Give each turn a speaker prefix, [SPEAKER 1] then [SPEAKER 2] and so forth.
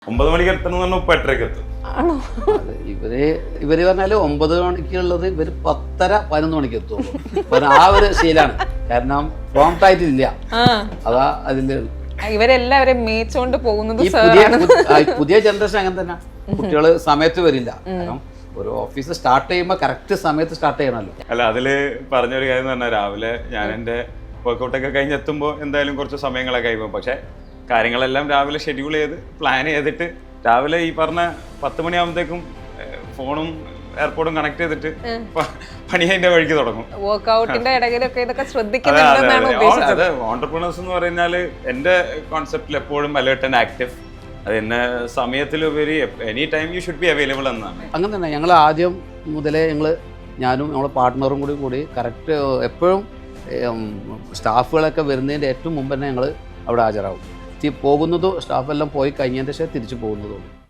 [SPEAKER 1] 9 മണിക്ക് എത്തണം, ഇപ്പൊ 8:30 എത്തും.
[SPEAKER 2] ഇവര് പറഞ്ഞാല് 9 മണിക്കുള്ളത് ഇവര് 10:30-11 മണിക്ക് എത്തുള്ളൂ. ആ ഒരു ശീലാണ്. കാരണം പ്രോംപ്റ്റ് ആയിട്ടില്ല. അതാ അതില്
[SPEAKER 3] ഇവരെല്ലാവരും മേച്ചോണ്ട് പോകുന്നത്.
[SPEAKER 2] പുതിയ ജനറേഷൻ അങ്ങനെ തന്നെ. കുട്ടികള് സമയത്ത് വരില്ല. കാരണം ഒരു ഓഫീസ് സ്റ്റാർട്ട് ചെയ്യുമ്പോ കറക്റ്റ് സമയത്ത് സ്റ്റാർട്ട് ചെയ്യണമല്ലോ.
[SPEAKER 1] അല്ല, അതില് പറഞ്ഞൊരു കാര്യം എന്ന് പറഞ്ഞാൽ രാവിലെ ഞാൻ എന്റെ വർക്കൗട്ടൊക്കെ കഴിഞ്ഞെത്തുമ്പോ എന്തായാലും കുറച്ച് സമയങ്ങളൊക്കെ കഴിയുമ്പോൾ, പക്ഷെ കാര്യങ്ങളെല്ലാം രാവിലെ ഷെഡ്യൂൾ ചെയ്ത് പ്ലാൻ ചെയ്തിട്ട് രാവിലെ ഈ പറഞ്ഞ 10 മണിയാകുമ്പോഴത്തേക്കും ഫോണും എയർപോർട്ടും കണക്ട് ചെയ്തിട്ട് പണി അതിന്റെ വഴിക്ക് തുടങ്ങും.
[SPEAKER 3] വർക്ക്ഔട്ടിന്റെ ഇടയിലൊക്കെ ഇതൊക്കെ ശ്രദ്ധിക്കുന്നുണ്ടെന്നാണ് ഉദ്ദേശിച്ചത്.
[SPEAKER 1] അതെ, ഓണ്ടർപ്രണേഴ്സ് എന്ന് പറഞ്ഞാല് എന്റെ കോൺസെപ്റ്റിൽ എപ്പോഴും അലേർട്ട് ആൻഡ് ആക്റ്റീവ്. അത് എന്നെ സമയത്തിലുപരി any time you should be available എന്നാണ്.
[SPEAKER 2] അങ്ങനെ തന്നെ ഞങ്ങൾ ആദ്യം മുതലേ ഞാനും ഞങ്ങളുടെ പാർട്ട്ണറും കൂടി കറക്റ്റ് എപ്പോഴും സ്റ്റാഫുകളൊക്കെ വരുന്നതിൻ്റെ ഏറ്റവും മുമ്പ് തന്നെ ഞങ്ങൾ അവിടെ ഹാജരാകും. പോകുന്നതോ സ്റ്റാഫെല്ലാം പോയി കഴിഞ്ഞതിന് ശേഷം തിരിച്ചു പോകുന്നതും.